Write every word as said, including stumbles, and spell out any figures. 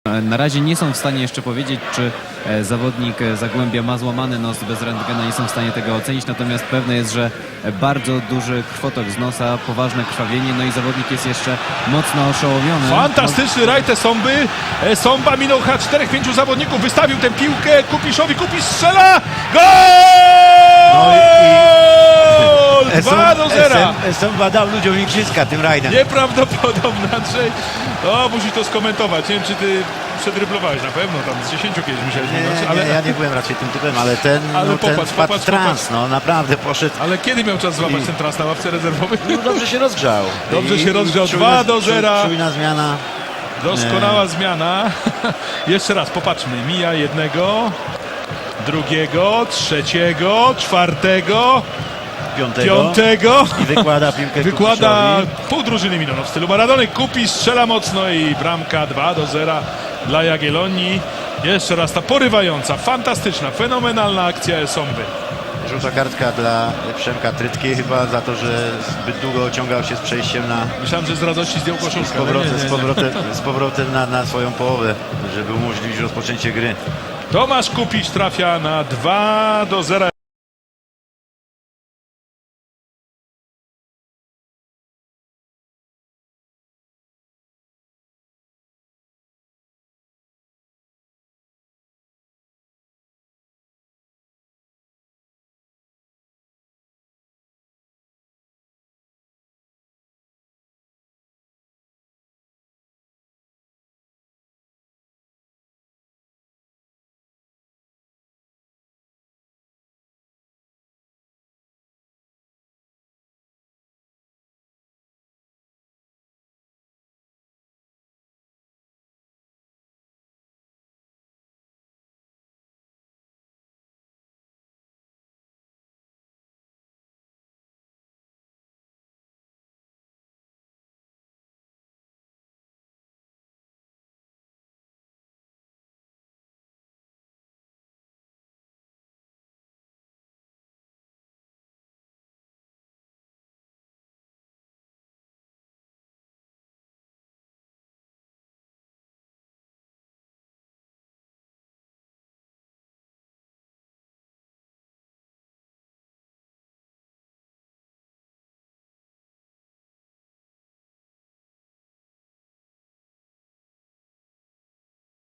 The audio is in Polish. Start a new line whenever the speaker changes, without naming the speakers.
Na razie nie są w stanie jeszcze powiedzieć, czy zawodnik Zagłębia ma złamany nos bez rentgena, nie są w stanie tego ocenić, natomiast pewne jest, że bardzo duży krwotok z nosa, poważne krwawienie, no i zawodnik jest jeszcze mocno oszołomiony.
Fantastyczny rajd Esomby. Esomba minął chyba czterech, pięciu zawodników, wystawił tę piłkę Kupiszowi, Kupisz strzela! Gol!
No i, i
dwa do zera!
Esomba dał ludziom igrzyska tym rajdem.
Nieprawdopodobne, Andrzej. O, musisz to skomentować. Nie wiem, czy ty przedryblowałeś na pewno, tam z dziesięciu kiedyś musiałeś
Nie,
minąć,
nie,
ale...
nie, ja nie byłem raczej tym typem, ale ten,
Ale
no, ten
popatrz,
wpadł
popatrz,
w trans,
popatrz.
no naprawdę poszedł.
Ale kiedy miał czas złapać
I-
ten trans na ławce rezerwowej?
No, dobrze się rozgrzał.
Dobrze się rozgrzał.
czujna-
dwa do zera.
czuj- Czujna zmiana.
Doskonała zmiana. Jeszcze raz, popatrzmy. Mija jednego, drugiego, trzeciego, czwartego,
Piątego.
piątego.
I wykłada piłkę
Wykłada
Kupiszowi.
pół drużyny minął w stylu Maradony. Kupi, strzela mocno i bramka dwa do zera dla Jagiellonii. Jeszcze raz ta porywająca, fantastyczna, fenomenalna akcja Esomby.
Żółta kartka dla Przemka Trytki chyba za to, że zbyt długo ociągał się z przejściem na
Myślałem, że z radości zdjął
z
koszulkę. ale
powrotem,
nie, nie,
z
nie.
powrotem, z powrotem na, na swoją połowę, żeby umożliwić rozpoczęcie gry.
Tomasz Kupić trafia na dwa do zera.